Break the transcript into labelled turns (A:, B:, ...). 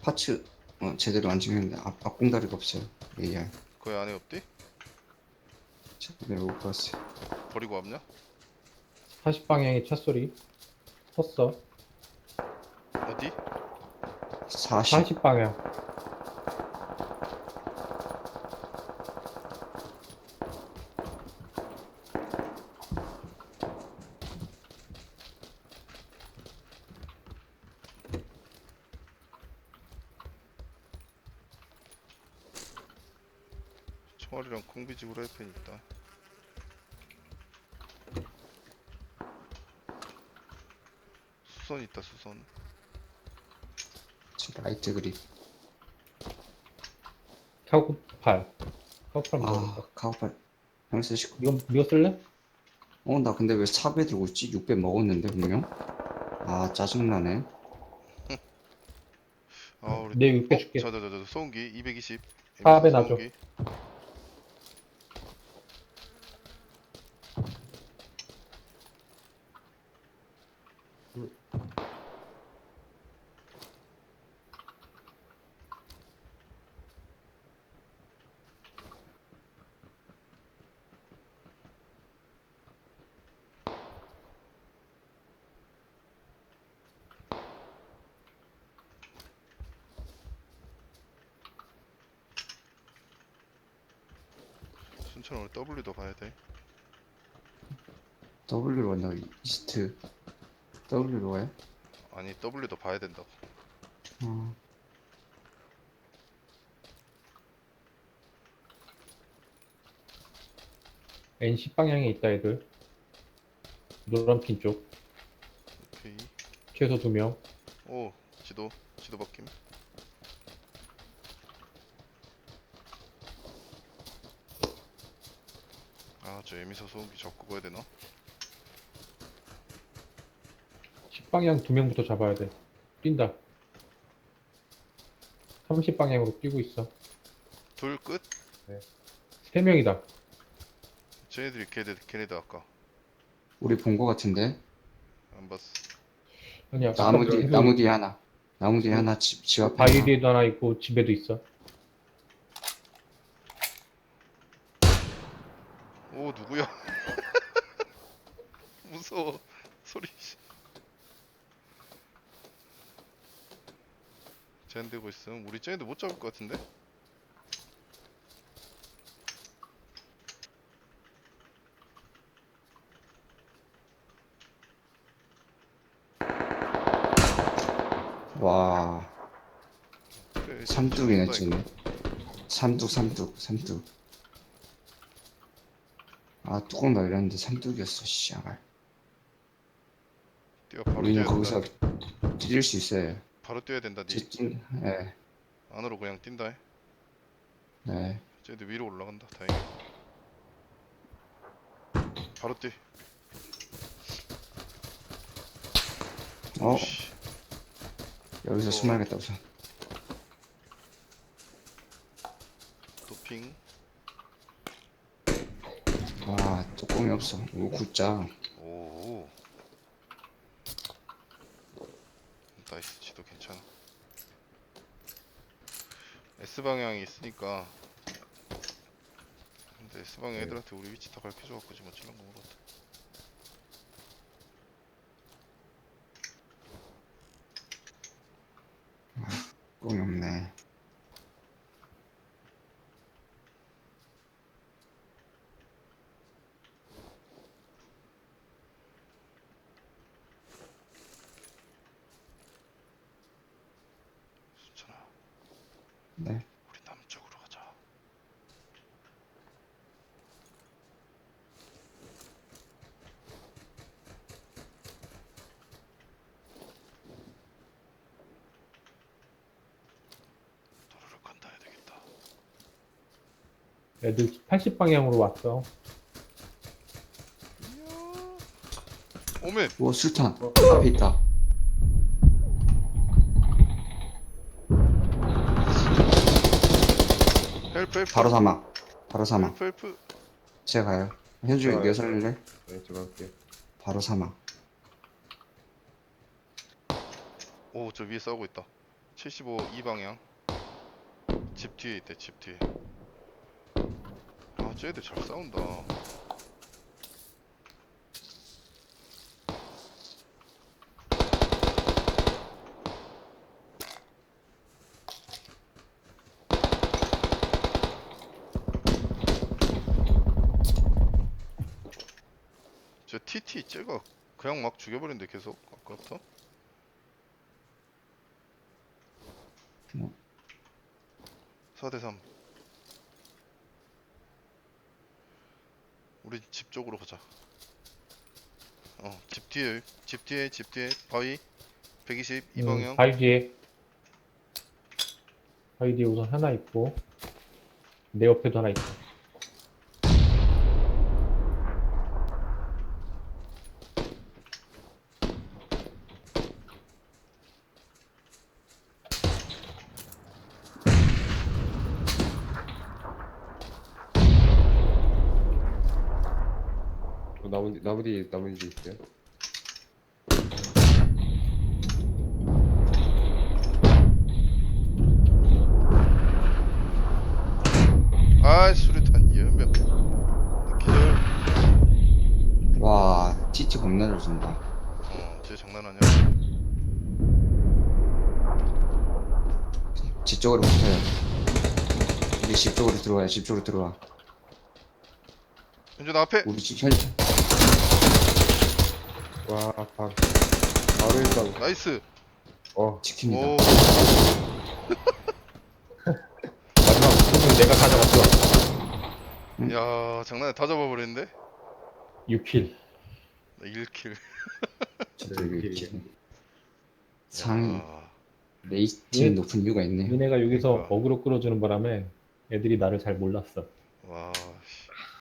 A: 파츠 제대로 안 찍는데 앞공다리가 없어요. AR
B: 거기 안에 없디?
A: 제대로 못 봤어요.
B: 버리고 왔냐?
C: 40방향의 차 소리. 섰어.
B: 어디?
A: 40
C: 40방향.
B: 총알이랑 콩비지 후라이팬 있다. 수선 있다 수선.
A: 라이트 그립.
C: 카고팔. 카고팔 먹었다.
A: 카우팔 형 쓰시고.
C: 이거 쓸래?
A: 나 근데 왜 4배 들고 있지? 6배 먹었는데 분명. 짜증나네.
B: 아 우리
C: 내 6배 줄게.
B: 저 소음기 220.
C: 4배 놔줘.
B: 소음기. 순천 오늘 W도 가야 돼.
A: W로 간다. 이스트 W로 가요?
B: 아니 W도 봐야 된다고.
A: 어,
C: N10방향에 있다 애들. 노란핀 쪽.
B: 오케이.
C: 최소 2명.
B: 오 지도 바뀜. 저 에미서 소음기 접고 가야 되나?
C: 10방향 2명부터 잡아야 돼. 뛴다. 30방향으로 뛰고 있어.
B: 둘 끝?
C: 3명이다.
B: 쟤네들이 걔네들 아까
A: 우리 본 거 같은데.
B: 안 봤어.
C: 아니야.
A: 나무 뒤에 하나. 나무 뒤에 하나 집 앞에 하나.
C: 바위에도 하나 있고 집에도 있어.
B: 오 누구야? 무서워 소리. 쟤네 들고 있음. 우리 쟤네들 못 잡을 것 같은데?
A: 와,
B: 그래,
A: 삼뚝이네
B: 쟤네
A: 쟤네. 삼뚝. 뚜껑 날렸는데 삼뚝이었어. 씨발.
B: 뛰어 바로
A: 우리는
B: 뛰어야
A: 거기서
B: 된다.
A: 뛸 수 있어요.
B: 바로 뛰어야 된다. 니
A: 네,
B: 안으로 그냥 뛴다.
A: 네.
B: 쟤네들 위로 올라간다. 다행히. 바로 뛰.
A: 어,
B: 씨.
A: 여기서 숨어야겠다 우선.
B: 도핑.
A: 뚜껑이 없어. 이거 굿자.
B: 오. 나이스. 지도 괜찮아. S 방향이 있으니까. 근데 S 방향 애들한테 우리 위치 다 밝혀줘갖고 지금 어찌난 거 모르겠다.
A: 뚜껑이 없네.
B: 순천아.
A: 네.
B: 우리 남쪽으로 가자. 도로를 건너야 되겠다.
C: 애들 80방향으로 왔어.
B: 이야. 오멘.
A: 오, 술탄. 앞에 있다.
B: 헬프.
A: 바로 사막.
B: 헬프.
A: 제가 가요. 현주
D: 좋아요.
A: 네가 살릴래?
D: 네, 제가 할게요.
A: 바로 사막.
B: 오, 저 위에 싸우고 있다. 75 이 방향. 집 뒤에 있대, 집 뒤에. 아, 쟤들 잘 싸운다. 저 TT 쟤가 그냥 막 죽여버리는데 계속 아까부터.
A: 뭐.
B: 4대3. 우리 집 쪽으로 가자. 집 뒤에, 집 뒤에 바위 120 이 방향.
C: 바위 뒤에. 바위 뒤에 우선 하나 있고, 내 옆에도 하나 있고.
D: 나무 뒤에 있어요.
B: 아, 수류탄 연병. 기절.
A: 와, TT 겁나 잘 쏜다.
B: 쟤 장난 아니야.
A: 집 쪽으로 붙어요. 이제 집 쪽으로 들어와요. 집 쪽으로 들어와.
B: 현준 앞에.
A: 우리 집 현,
D: 와, 바로 일단,
B: 나이스.
A: 지킵니다.
B: 오,
C: 마지막 부분은 내가 가져갔어.
B: 야, 장난해. 다 잡아버렸는데.
C: 6킬.
B: 나 1킬.
A: 저도
D: 네,
A: 이렇게 상
B: 야,
A: 레이팅
C: 예.
A: 높은 이유가 있네.
C: 니네가 여기서
B: 그러니까.
C: 어그로 끌어주는 바람에 애들이 나를 잘 몰랐어.
B: 와, 씨.